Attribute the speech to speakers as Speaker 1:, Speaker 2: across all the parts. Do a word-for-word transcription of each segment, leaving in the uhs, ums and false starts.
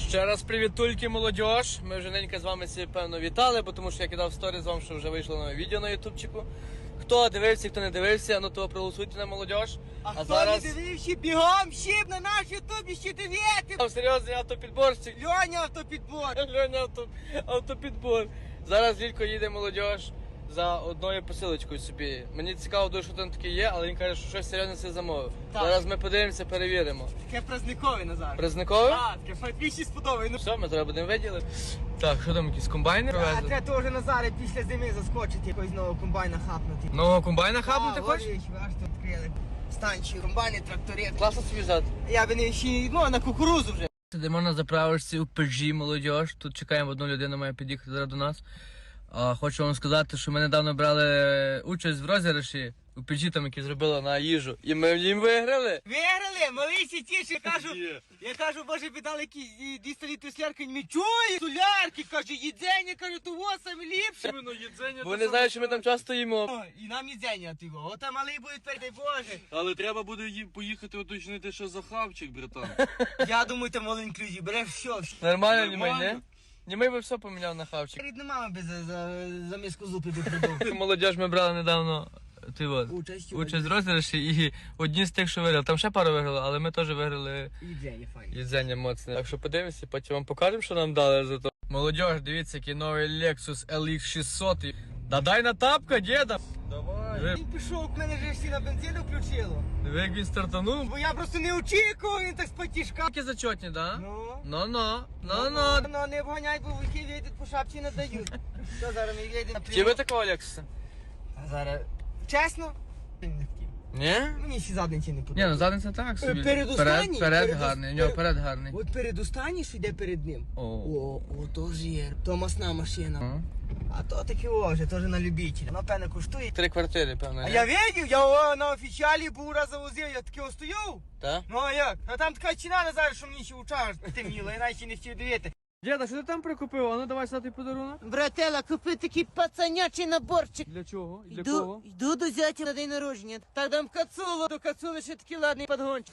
Speaker 1: Ще раз привітульки, молодіж. Ми вже ненька з вами всі, певно, вітали, бо тому що я кидав сторі з вам, що вже вийшло нове відео на ютубчику. Хто дивився, хто не дивився, ну то проголосуйте на молодіж.
Speaker 2: А, а хто зараз... не дивився, бігом щіп на наш ютубі ще дивити.
Speaker 1: Серйозний автопідборщик.
Speaker 2: Льоня автопідбор.
Speaker 1: Льоня авто... автопідбор. Зараз Лілько їде молодіж за одною посилочкою собі. Мені цікаво, дуже, що там таке є, але він каже, що щось серйозне це замовив. Так. Зараз ми подивимося, перевіримо.
Speaker 2: Таке праздникове, Назар.
Speaker 1: Праздникове?
Speaker 2: Так, таке фатвіші сподобає.
Speaker 1: Все, ми зараз будемо виділи. Так, що там, якісь комбайни привезли?
Speaker 2: А треба теж Назаре після зими заскочити, якогось нового комбайна хапнути.
Speaker 1: Нового комбайна хапнути хочеш?
Speaker 2: Так, аж тут відкрили. Станції, комбайни, трактори.
Speaker 1: Класно собі взяти.
Speaker 2: Я би не ще, ну, на кукурузу вже.
Speaker 1: Сидимо на заправочці у Пежі, молодіж. Тут чекаємо, одну людину має під'їхати зараз до нас. А, хочу вам сказати, що ми недавно брали участь в розіграші у Пежі, там, які зробили на їжу. І ми їм виграли.
Speaker 2: Виграли, малися ті, я кажу, я кажу, боже, віддали якісь двісті літрів солярки, не чує, солярки, каже, їдзення, каже, того саме ліпше.
Speaker 1: Бо вони знають, що ми там часто їмо.
Speaker 2: І нам їдзення тього, ота малий буде тепер, дай Боже.
Speaker 3: Але треба буде ї- поїхати уточнити, що за хавчик, братан.
Speaker 2: Я думаю, там all inclusive, береш все.
Speaker 1: Нормально, німей,
Speaker 3: Нормально.
Speaker 1: не? Німей би все поміняв на хавчик.
Speaker 2: Рідна мама би за, за, за миску зупи би придав.
Speaker 1: Молодіж, ми брали недавно ти от,
Speaker 2: Участь,
Speaker 1: участь в розіграші і одні з тих, що виграли. Там ще пару виграли, але ми теж виграли
Speaker 2: Їдзення, файно.
Speaker 1: їдзення моцне. Так що подивимося, потім вам покажемо, що нам дали за то. Молодіж, дивіться, який новий Lexus ел ікс шістсот. Да дай на тапка, діда!
Speaker 3: Давай.
Speaker 1: Ви,
Speaker 2: Він пішов, в мене вже всі на бензину включило.
Speaker 1: ви як він стартанув.
Speaker 2: Бо я просто не очікував, він так з потішка.
Speaker 1: Такі зачетні, да?
Speaker 2: Ну.
Speaker 1: Ну-ну, ну-ну.
Speaker 2: Ну, не вганяй, бо вики вийдуть по шапці не дають. Що зараз ми вийдемо?
Speaker 1: Чи ви такого Lexusa?
Speaker 2: А зараз, чесно,
Speaker 1: Ні?
Speaker 2: мені ще задниці не
Speaker 1: Ні, ну
Speaker 2: подобається.
Speaker 1: задниця так собі.
Speaker 2: Перед
Speaker 1: перед,
Speaker 2: останній?
Speaker 1: перед
Speaker 2: Перед
Speaker 1: гарний, у
Speaker 2: ос-
Speaker 1: нього
Speaker 2: перед-
Speaker 1: перед гарний.
Speaker 2: От перед останній, що йде перед ним.
Speaker 1: О.
Speaker 2: О, о, то ж є, то масна машина.
Speaker 1: О.
Speaker 2: А то таке о, вже теж на любителя. Воно, певно, коштує.
Speaker 1: Три квартири, певно.
Speaker 2: А
Speaker 1: ні?
Speaker 2: я видів, я о, на офіціалі був раз завозив, я таки остояв.
Speaker 1: Так?
Speaker 2: Ну а як? А там така ціна не зараз, що мені ще учаш темніла, я навіть ще не хотів дивити.
Speaker 1: Діда, що ти там прикупив? А ну давай сюди подарунок.
Speaker 2: Братела, купи такий пацанячий наборчик.
Speaker 1: Для чого? І для
Speaker 2: Йду,
Speaker 1: кого?
Speaker 2: йду до зятя на день народження. Так дам кацулу, до кацули ще такий ладний подгончик.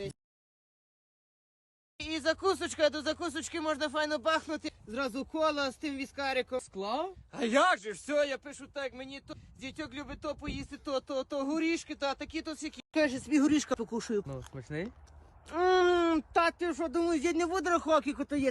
Speaker 2: І закусочка, до закусочки можна файно бахнути. Зразу кола з тим віскариком.
Speaker 1: Склав?
Speaker 2: А як же, все, я пишу так, мені то, дітьок любить то поїсти, то, то, то горішки, то, а такі то всякі. Каже, собі горішка покушаю.
Speaker 1: Ну, смачний.
Speaker 2: Ммм, та ти що, думаю, я не буду рахувати, то є.